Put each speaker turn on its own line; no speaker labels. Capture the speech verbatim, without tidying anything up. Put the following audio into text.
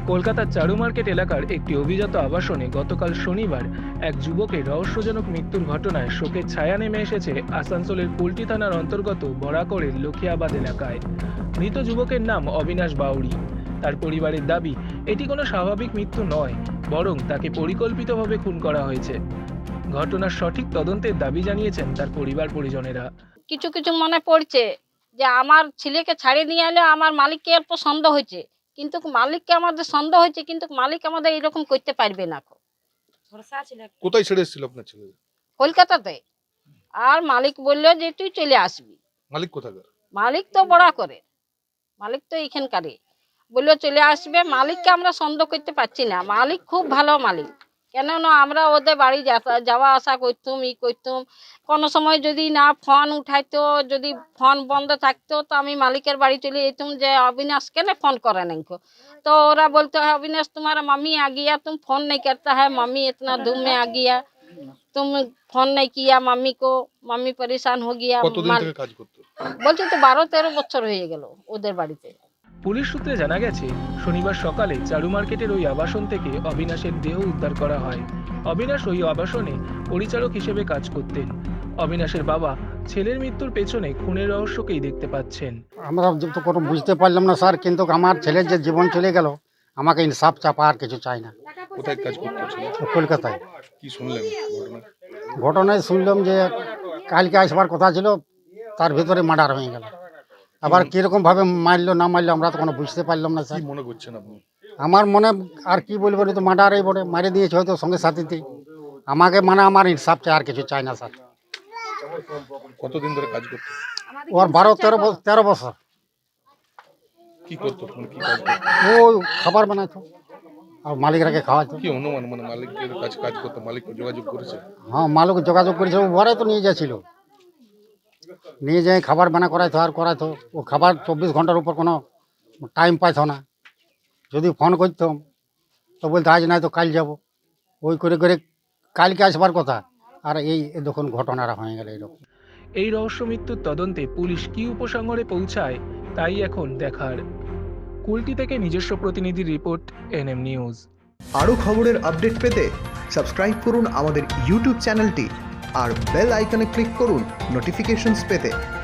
কলকাতার চারু মার্কেট এলাকার একটি অভিজাত আবাসনে গতকাল শনিবার এক যুবকের রহস্যজনক মৃত্যুর ঘটনায় শোকের ছায়া নেমে এসেছে আসানসোলের কুলটি থানার অন্তর্গত বরাকরের লক্ষিয়াবাদ এলাকায়। মৃত যুবকের নাম অবিনাশ বাউরি। তার পরিবারের দাবি, এটি কোনো স্বাভাবিক মৃত্যু নয়, বরং তাকে পরিকল্পিতভাবে খুন করা হয়েছে। ঘটনার সঠিক তদন্তের দাবি জানিয়েছেন তার পরিবার পরিজনেরা।
কিছু কিছু মনে পড়ছে যে আমার ছেলেকে ছাড়িয়ে নিয়ে এলে আমার মালিককে একটু সন্দেহ হয়েছে, কিন্তু মালিককে আমাদের সন্দেহ হয়েছে, কিন্তু মালিক আমাদের এরকম করতে পারবে না।
কোথায় ছেড়ে এসেছিল আপনার ছেলে?
কলকাতাতে। আর মালিক বললো যে তুই চলে আসবি।
মালিক কোথাকার?
মালিক তো বড়া করে, মালিক তো এইখানকারই। বললো চলে আসবে। মালিককে আমরা সন্দেহ করতে পারছি না, মালিক খুব ভালো মালিক। কেননা আমরা ওদের বাড়ি যাওয়া আসা করতুম, ই করতুম। কোনো সময় যদি না ফোন উঠাইতো, যদি ফোন বন্ধ থাকতো, তো আমি মালিকের বাড়ি চলে যেতুম যে अविनाश কেন ফোन करे नहीं को। तो ওরা বলতো है अविनाश तुम्हारा मम्मी आ गया, तुम फोन नहीं करता है, मम्मी इतना धूम में आ गया, तुम फोन नहीं किया मम्मी को, मम्मी परेशान हो गया।
কতদিন থেকে কাজ করতো?
বলছে তো বারো তেরো বছর হয়ে গেল ওদের বাড়িতে।
পুলিশ সূত্রে জানা গেছে, শনিবার সকালে চারু মার্কেটের ওই আবাসন থেকে অবিনাশের দেহ উদ্ধার করা হয়। অবিনাশ ওই আবাসনে পরিচারক হিসেবে কাজ করতেন। অবিনাশের বাবা ছেলের মৃত্যুর পেছনে খুনের রহস্যকেই দেখতে পাচ্ছেন।
আমরা তো কোনো বুঝতে পারলাম না স্যার, কিন্তু আমার ছেলের যে জীবন চলে গেল, আমাকে ইনসাফ চাপা আর কিছু চাই না।
কোথায় কাজ করতো ছেলে?
কলকাতায়।
কি শুনলেন ঘটনা?
ঘটনায় শুনলাম যে কালকে আসবার কথা ছিল, তার ভিতরে মার্ডার হয়ে গেল। আবার কিরকম ভাবে মারলো না মারলো আমরা তো কোনো বুঝতে পারলাম না স্যার।
কি মনে করছেন আপনি?
আমার মনে আর কি বলবো, তো মার্ডারই বলে মারে দিয়েছে হয়তো সঙ্গে সাথীতেই। আমাকে মানে আমার ইনসাফ চাই, আর কিছু চাই না স্যার।
কতদিন ধরে কাজ করতো?
ওর বারো তেরো বছর তেরো বছর।
কি করতো? মানে কি কাজ করতো?
ও খাবার বানাইতো আর মালিকরাকে খাওয়াইতো।
কি অনুমান, মানে মালিকের কাছে কাজ করতো, মালিক যোগাযোগ করেছে?
হ্যাঁ, মালিক যোগাযোগ করেছে, ও ঘরে তো নিয়ে যাচ্ছিল, নিয়ে যাই খাবার বানা করাইতো আর করাইতো। ও খাবার চব্বিশ ঘন্টার উপর কোনো টাইম পাইতো না। যদি ফোন করতাম তো বলতো আজ নাই তো কাল যাব। ওই করে করে কালকে আসবার কথা, আর এই দেখুন ঘটনাটা হয়ে গেল এরকম।
এই রহস্য মৃত্যুর তদন্তে পুলিশ কি উপসংহারে পৌঁছায় তাই এখন দেখার। কুলটি থেকে নিজস্ব প্রতিনিধি রিপোর্ট, এনএম নিউজ।
আরও খবরের আপডেট পেতে সাবস্ক্রাইব করুন আমাদের ইউটিউব চ্যানেলটি আর বেল আইকনে ক্লিক করুন নোটিফিকেশনস পেতে।